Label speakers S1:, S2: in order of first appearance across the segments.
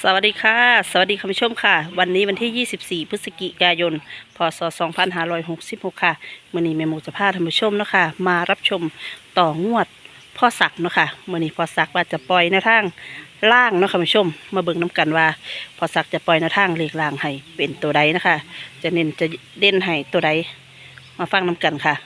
S1: สวัสดีค่ะสวัสดีคุณผู้ชมค่ะวันนี้วันที่ 24 พฤศจิกายน พศ 2566 ค่ะมื้อนี้แม่หมูจะพาท่านผู้ชมเนาะค่ะมารับชมต่องวดพ่อศักดิ์เนาะค่ะมื้อนี้พ่อศักดิ์ว่าจะปล่อยแนวทางล่างเนาะค่ะคุณผู้ชมมาเบิ่งน้กันว่าพ่อศักดิ์จะปล่อยแนวทางเลขล่างให้เป็นตัวใดนะคะจะเน้นจะเด่นให้ตัวใดมาฟังน้กันค่ะ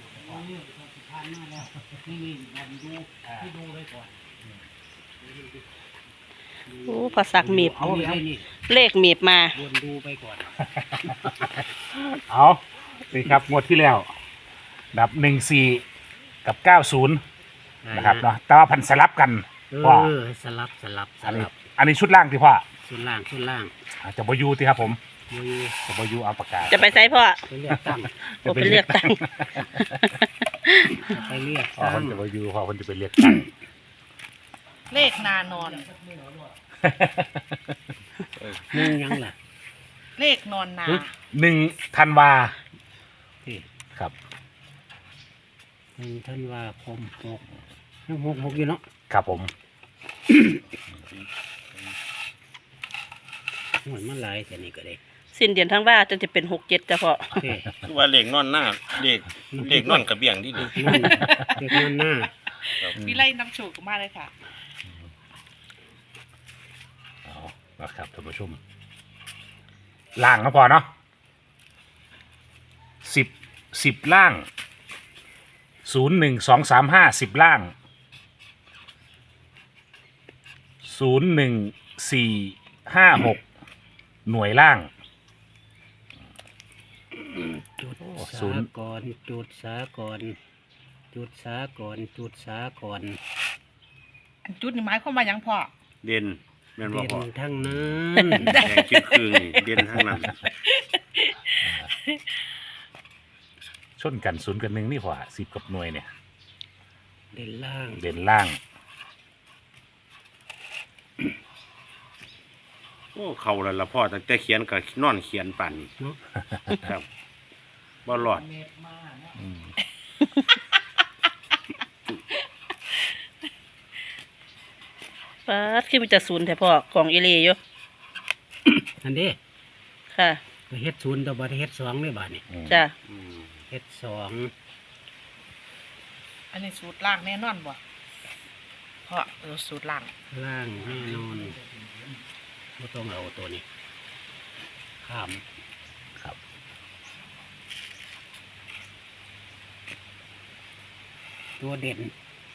S1: โอ้พ่อศักดิ์มีบเลขมีบมา
S2: วนดูไปก่อน
S3: เอาสิครับงวดที่แล้วดับ14กับ90นะครับเนาะแต่ว่าพันสลับกันว่า
S2: สลับ
S3: อันนี้ชุดล่างที่พ่อ
S2: ส่วนล่าง
S3: จะบอยูที่ครับผม
S2: มือ
S3: จะบอยูเอาปากกา
S1: จะไปไซพ่อ
S2: ไปเลือกตั้ง
S1: โอ้ไปเลือกตั้ง
S2: ไปเลือก
S3: พ่อ
S2: ตั้
S3: ค
S2: ง
S3: นจะบอยูพ่อคนจะไปเรียกตั้ง
S1: เลขนานอน
S2: นึ่งยังล่ะ
S1: เลขนอนนา
S3: 1 ธันวา
S2: ที่
S3: ครับ
S2: ท่านว่าคมหกอยู่เนาะ
S3: ครับผม
S2: หวยมันหลายแต่นี่ก็ได้
S1: สิ้นเดือนทั้งว่าจะเป็น67จ้ะพ่อ
S2: เฮ้ย
S4: คือว่าเหล็กนอนหน้าเหล็กนอนกระเบียงที่ดี
S2: เด็กนั่นหน้า
S1: วิไลน้ำโชกมาเลยค่ะ
S3: เอานะครับท่านผู้ชมล่างนะพอเนาะ10ล่าง01235 10ล่าง01456หน่วยล่าง
S2: จุด
S3: ศู
S2: สาน
S3: ย์
S2: ก่อนจุดสาก่อนจุดสาก่อนจุดสาก่อน
S1: อันจุดนี่หมายความว่าหยังพ่อ
S4: เด่นแม่นบ่
S2: เด่น
S4: พอ
S2: ทั้งนั้น
S4: แดงคิดคืนนี่เด่นทั้งนั้น
S3: ชนกัน0 กับ 1นี่พอ10กับหน่วยเนี่ย
S2: เด่นล่าง
S3: เด่นล่าง
S4: โอ้เขาแล้วละพ่อตั้งแต่เขียนกับนอนเขียนปั่น
S2: เนาะ
S4: ครับบ่รอด
S1: ป๊าดขึ้นไปจะศูนย์แต่พ่อของอีเลอยู่
S2: อันนี้
S1: ค่ะ
S2: ก็เฮ็ดศูนย์แต่บ่ได้เฮ็ด2เลยบาดนี้
S1: จ้ะ
S4: อืม
S2: เฮ็ด2
S5: อันนี้สูตรล่างแน่นอนบ่เพราะสูตรล่าง
S2: ล่างแน่นอนไม่ต้องเอาตัวนี้ข้าม
S3: ครับ
S2: ตัวเด่น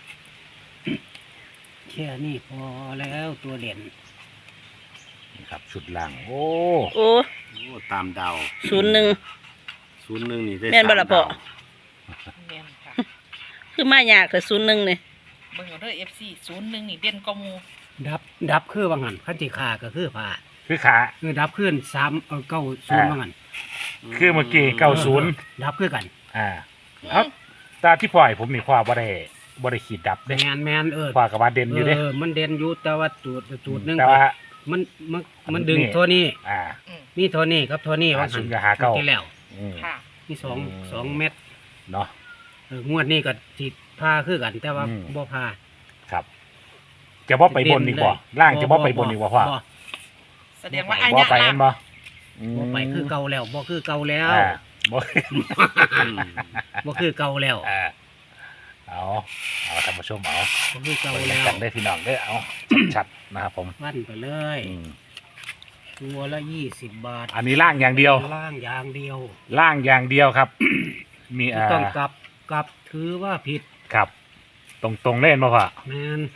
S2: แค่นี้พอแล้วตัวเด่น
S3: นี่ครับชุดล่างโอ้
S1: โอ้
S4: โอ้ตามดาว
S1: 01
S4: 01นี่ได้
S1: แม่นบ่ล่ะพ่อ
S4: 3ดาว
S5: แม่นค่ะ
S1: คือมายากแต่01นี่
S5: เบิ่งเอาเด้อ FC 01นี่เด่นกว่าหมู่
S2: ดับคือว่างันขั้นที่ขาก็คือผ่า
S3: คือขา
S2: คือดับขึ้น9 0ว่างัน
S3: คือเมื่อกี้90
S2: ดับคือกัน
S3: เอาตาที่ปล่อยผมนี่พ่อบ่ได้ขีดดับเด้
S2: แมน
S3: พ่อกับว่าเด่นอยู่เด้
S2: มันเด่นอยู่แต่ว่าจุดหนึง
S3: แต่ว่า
S2: มันมันดึง
S3: นี่
S2: ตัวนี้
S3: อ่า
S5: อืม
S2: นี่ตัวนี้ครับตัวนี้ว่า
S3: ศูนย์กับ59
S2: ที่แล้ว
S3: อืม
S5: ค่ะ
S2: นี่สอง
S3: อืม
S2: สองเม็ด
S3: เนาะ
S2: งวดนี้ก็สิพาคือกัน แต่ว่า
S3: อืม
S2: บ่พา
S3: ครับ จะบ่ไปบนอีกบ่ล่างจะบ่ไปบนอีกบ่พ่อ
S5: แสดงว่าอัน
S3: บ่
S5: ยะ
S3: ไป
S5: ล่า
S3: แม่
S5: ง
S3: นบ่
S2: บ่ไปคือเก่าแล้วบ่คือเก่าแล้ว
S3: อ่าบ่
S4: อืม
S2: บ่คือเก่าแล้ว
S3: อ่าเอาท่านผู้ชมเอา
S2: บ่คือเก่า
S3: ไป
S2: แล้ว
S3: กันได้พี่น้องได้อเอาชัดๆนะครับผม
S2: วันไปเลย
S3: อืม
S2: ตัวละ20 บาท
S3: อันนี้ล่างอย่างเดียว
S2: ล่างอย่างเดียว
S3: ล่างอย่างเดียวครับ มี
S2: ไม่ต้องกลับถือว่าผิด
S3: ครับ ตรงๆเล่นบ่พ่อ
S2: แม่น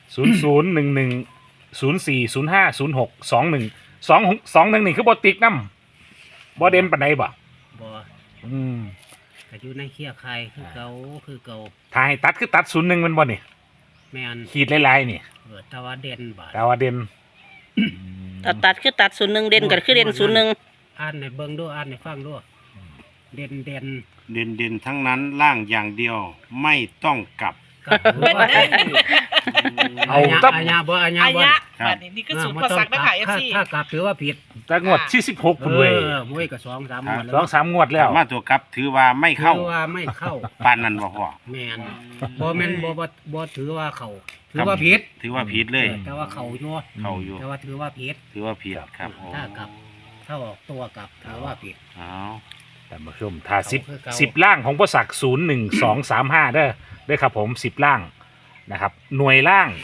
S3: 00110405062121นี่คือบ่ติ๊กนำบ่เด่นปานใดบ่
S2: บ่
S3: อืม
S2: ก็อยู่ในเคียไข่คือเก่าคือเก่า
S3: ถ้าให้ตัดคือตัด01มันบ่นี่
S2: แม่น
S3: ขีดหลายๆนี่
S2: แต่ว่าเด่นบาท
S3: แต่ว่าเด่น
S1: ตัดคือตัด01เด่นก็คือเด่น01
S2: อ่านในเบิ่งด้วยอ่านในฟังด้วยเด่น
S4: เด่นทั้งนั้นล่างอย่างเดียวไม่ต้องกลับ
S2: กับถือว่า
S3: เอา
S2: ตั
S3: ตั
S2: บบ อาญาบ่อาญา
S5: อา
S2: บ่
S5: ยะบัดนี้นี่คือสูตรพอสักนะคะ FC
S2: ถ้ากลับถือว่าผิด
S3: แต่งวดที่16พุ่นเว้ย
S2: มวยก็2-3หมดแล้ว
S3: 2-3 งวดแล้ว
S4: มาตัวกลับถือว่าไม่เข้า
S2: ถือว่าไม่เข้า
S4: ปานนั้นบ่พ่อ
S2: แม่นบ่แม่นบ่ถือว่าเข้าถือว่าผิด
S4: ถือว่าผิดเลย
S2: แต่ว่าเข้าอยู่
S4: เข้าอยู่
S2: แต่ว่าถือว่าผิด
S4: ถือว่าผิดครับโอ้
S2: ถ้ากลับถ้าออกตัวกลับถือว่าผิด
S4: เอา
S3: ท่านผู้ชมถ้า
S2: เอาคือเก่า
S3: 10ล่างของพ่อศักดิ์01235เด้อครับผม10ล่างนะครับหน่วยล่าง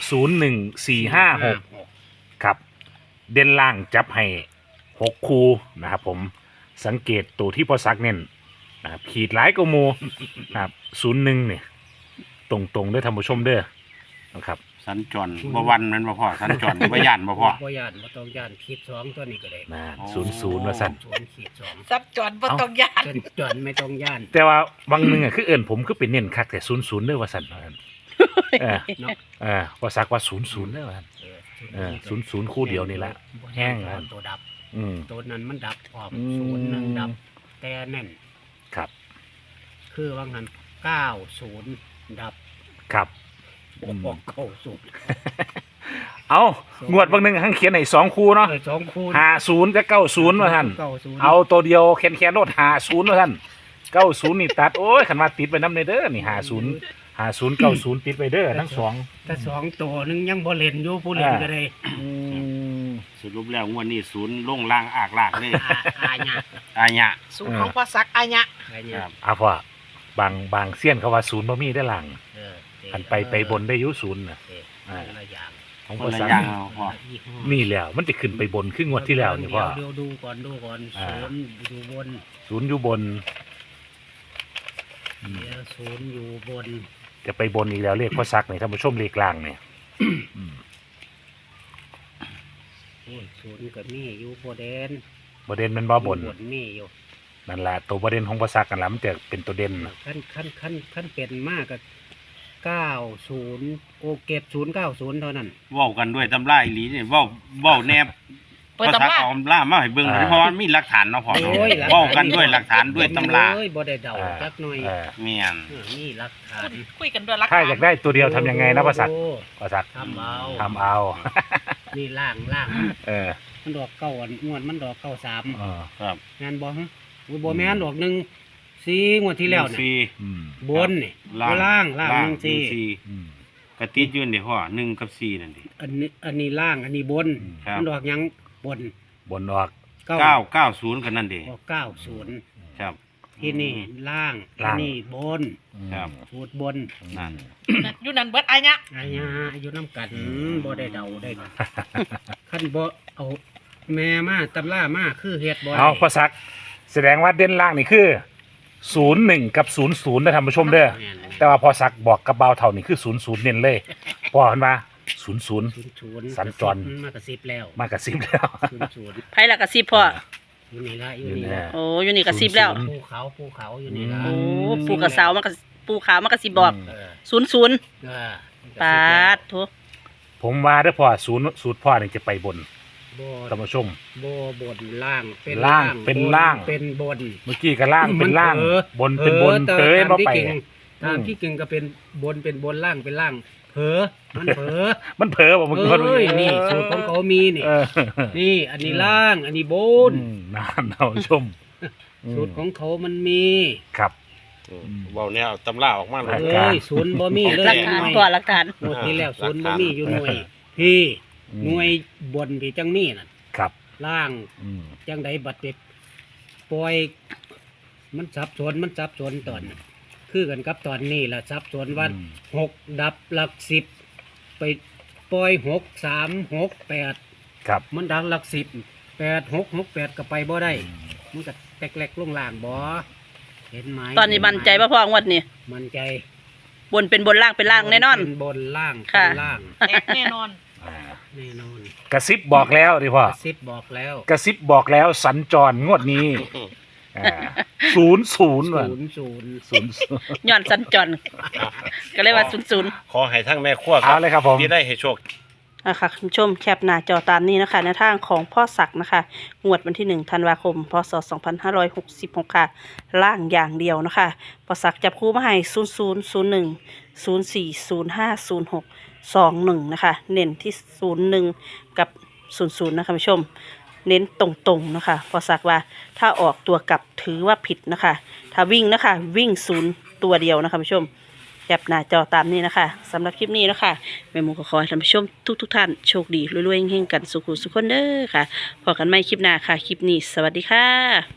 S3: 01456ครับเด่นล่างจับให้6คูนะครับผมสังเกตตัวที่พ่อศักดิ์เน้นนะครับขีดหลายกว่าหมู่นะครับ01เนี่ยตรงๆเด้อท่านผู้ชมเด้อนะครับ
S4: สัญจรบ่วันแมันบ่พ่อสัญจรบ่ย่านบ่พ่อ
S2: บ่ย่านบ่ต้องย่านขีด2ตัวนี้ก็ได้
S3: นะ
S4: อ๋อ
S3: 00ว่าสั่น
S2: 0ขีด2
S5: ซับจอนบ่ต้องยาน
S2: จนจนไม่ต้องย่าน
S3: แต่ว่าบางนึงอ่ะคือเอิ้นผมคือเป็นเน้นคักแต่00เด้อว่าสั่นว่าซั่นเออ
S2: เนาะ
S3: พ่อศักดิ์ว่า00เด้อว่าซั่น 00คู่เดียวนี่ละแห้งแล้ว
S2: ตัวดับ
S3: อืม
S2: ตัวนั้นมันดับออก
S3: อืม
S2: 01ดับ แต่แน่น
S3: ครับ
S2: คือว่างั้น90ดับ
S3: ครับ
S2: ออก90
S3: เอางวดบางหนึงทั้งเขียนให้2คู่เนาะ
S2: 2คูณ
S3: 50กับ90ว่าท่าน
S2: 90
S3: เอาตัวเดียวแคนๆโลด50ว่าท่าน90นี่ตัดโอ้ยคันว่าติดไปนำเด้อนี่50 90ติดไปเด้อทั้งสอง
S2: แต่2ตัวนึงยังบ่เล่นอยู่ผู้เล่นก็ได้
S3: อืม
S4: สรุปแล้วงวดนี้ศูนย์ลงล่างอากลากเลย
S2: อาญะ
S4: อาญะ
S5: สูตรของพอสักอายะ
S2: อา
S4: ค
S2: ญะ
S4: รับ
S3: เอาพ่อบางเสี้ยนเขาว่า0บ่มีได้อหลัง
S2: เออ
S3: คันไปบนได้อยู่0น่ะ
S2: เออ
S3: อ่า
S2: คนละอย่าง
S3: ของ
S4: ค
S3: พ่อน
S4: ละ
S3: สัก
S4: อย่างเอาพ่อ
S2: ยี่ห้อ
S3: นี่แหล้วมันจะขึ้นไปบนขึ้นงวดที่แล้วนี่พ่อ
S2: เดี๋ยวดูก่อน
S3: อ่า
S2: ศูนย์อยู่บน
S3: 0อยู่บนอืม
S2: เดี๋ยวศูนย์อยู่บน
S3: จะไปบนอีกแล้วเลขพ่อซักนี่ท่านผู้ชมเลขกลางเนี่ยอืม
S2: โอ้ยศูนย์กับนี่อยู่บนเดน
S3: ประเด็นมันบ่บน
S2: อยู่นี่อยู่
S3: นั่นแหละตัวประเด็นของพ่อซักกันละมันจะเป็นตัวเด่นน่ะ
S2: ขั้นเป็นมากกับ90โอเก็บ090เท่านั้น
S4: เว้ากันด้วยตำราอีหลีนี่เว้าแนบ
S5: เปิดตำรา
S4: เอาตำรามาให้เบิ่งเพราะว่ามีหลักฐานเนาะพ่อ
S2: โอ้ยหลักฐาน
S4: เว้ากันด้วยหลักฐานด้วยตำรา
S2: เอ้ยบ่ได้เดาจักหน่อย
S3: เออ
S4: แม่น
S2: นี่หลักฐาน
S5: คุยกันด้วยรัก
S3: ถ้าอยากได้ตัวเดียวทำยังไงนะพ่อซัก
S2: โอ้
S3: พ่อซัก
S2: ทำเอา
S3: ทำเอา
S2: นี่ล่าง
S3: เออ
S2: มันดอกเก้าอันงวดมันดอกเก้าสาม
S3: เออ
S4: ครับ
S2: งานบ่ฮะอุ้ยบ่แม่นดอกหนึ่งสี่งวดที่แล้ว
S4: ฟรี
S2: นี่
S3: อืม
S2: บนนี่ล่างหนึ่งสี่
S4: สี่
S3: อืม
S4: กระติดอยืนเดี๋ยวพ่อ1กับ4นั่นดิ
S2: อันนี้ล่างอันนี้บน
S4: ครับ
S2: มันดอกหยังบน
S3: บนออก
S4: 990กันนั่นดิ
S2: ออก90
S4: ครับ
S2: ที่นี่ล่าง
S3: ล่าง
S2: อันนี้บน
S4: ครับ
S2: สูตรบน
S4: นั่น
S5: อยู่นั่นเบิดอายะ
S2: อาญาอายุน้ำกันบ่ได้เดาได้ขั้นบ่เอาแม่มาตำรามาคือเฮ็ดบ่ได้
S3: เอาพ่อซัก แสดงว่าเด่นล่างนี่คือ01กับ00นะท่านผู้ชมเด้อ
S2: แม่น
S3: แต่ว่าพอซักบอกกับเบาเท่านี่คือ00เน้นเลยพอเห็นว่า00
S2: ศูนย์
S3: สัญจร
S2: มากระซิบแล้ว
S3: มากระซิบแล้ว
S2: 00
S1: ไผละกระซิบพ่อ
S2: อยู่นี่ละอยู่
S3: อยู่
S2: นี่
S3: แน่
S2: ละ
S1: โอ้อยู่นี่กระซิบแล้ว
S2: ภูเขาอยู่นี่ละ
S1: โอ้ปูกระเสามากระปูขาวมากระซิบบอก
S2: เออ
S1: 00
S2: เออ
S1: ปาดโถ
S3: ผมว่าเด้อพ่อสูตรพ่อนี่จะไปบน
S2: บ่
S3: ท่านผู้ชม
S2: บ่บนล่างเป็น
S3: ล่างเป็นล่าง
S2: เป็นบน
S3: เมื่อกี้ก็ล่างเป็นล่าง
S2: มันเผลอบ
S3: นเป็นบน
S2: แต่
S3: เผย
S2: ตาม
S3: มา
S2: ที่
S3: ไป
S2: เก่งตามที่เก่งก็เป็นบนเป็นบนล่างเป็นล่าง เผลอมันเผลอ
S3: มันเผลอบอกมึงคน
S2: เอ้ยนี่สูตรของเขามีนี่
S3: เออ
S2: นี่อันนี้ล่าง อันนี้บน
S3: นานท่านผู้ชม
S2: สูตรของเขามันมี
S3: ครับ
S4: เว้าแนวตำราออกมาเล
S3: หลั
S4: ย
S3: กการ
S2: เอ้ยศูนย์บ่มีเลย
S1: หลักฐาน
S2: หน่วย
S1: พ่อหลักฐาน
S2: งวดที่แล้วศูนย์บ่มีอยู่หน่วย พี่หน่วยบนพี่จังมีน่ะ
S3: ครับ
S2: ล่าง
S3: อืม
S2: จังใดบัดเด็ดปล่อย มันสับสนตอนน่ะคือกันกับตอนนี้ล่ะสับสนว่า
S3: อืม
S2: 6 ดับหลัก10ไปปล่อย6 3 6 8
S3: ครับ
S2: มันดังหลัก10 8 6 6 8ก็ไปบ่ได้มันก็แตกๆลงล่างบ่เห็นไหม
S1: ตอนนี้มั่นใจป่ะพ่องวดนี้
S2: มั่นใจ
S1: บนเป็นบนล่างเป็นล่างแน่นอน
S2: เป็นบนล่าง
S1: ค่ะ
S2: เป็นล่าง
S5: แตกแน่นอน
S3: อ่า
S2: แน่นอน
S3: กระซิบบอกแล้วดิพ่อก
S2: ระซิบบอกแล้ว
S3: กระซิบบอกแล้วสัญจรงวดนี้00ว่ะ
S2: 00
S1: ย้อนสัญจรก็เลยว่า00
S4: ขอให้ทั้งแม่ครัว
S3: เอาเลยครับผม
S4: ที่ได้ให้โชค
S1: นะคะคุณผู้ชมแคปหน้าจอตามนี้นะคะในทางของพ่อศักดิ์นะคะงวดวันที่1ธันวาคมพศ2566ค่ะล่างอย่างเดียวนะคะพ่อศักดิ์จับคู่มาให้00 01 04 05 06 21นะคะเน้นที่01กับ00นะคะคุณผู้ชมเน้นตรงๆนะคะพอสักว่าถ้าออกตัวกลับถือว่าผิดนะคะถ้าวิ่งนะคะวิ่ง0ตัวเดียวนะคะคุณผู้ชมแคปหน้าจอตามนี้นะคะสำหรับคลิปนี้นะคะแม่หมูก็ขอให้ท่านผู้ชมทุกท่านโชคดีรวยๆเฮงๆกันสุขุสุขคนเด้อค่ะพบกันใหม่คลิปหน้าค่ะคลิปนี้สวัสดีค่ะ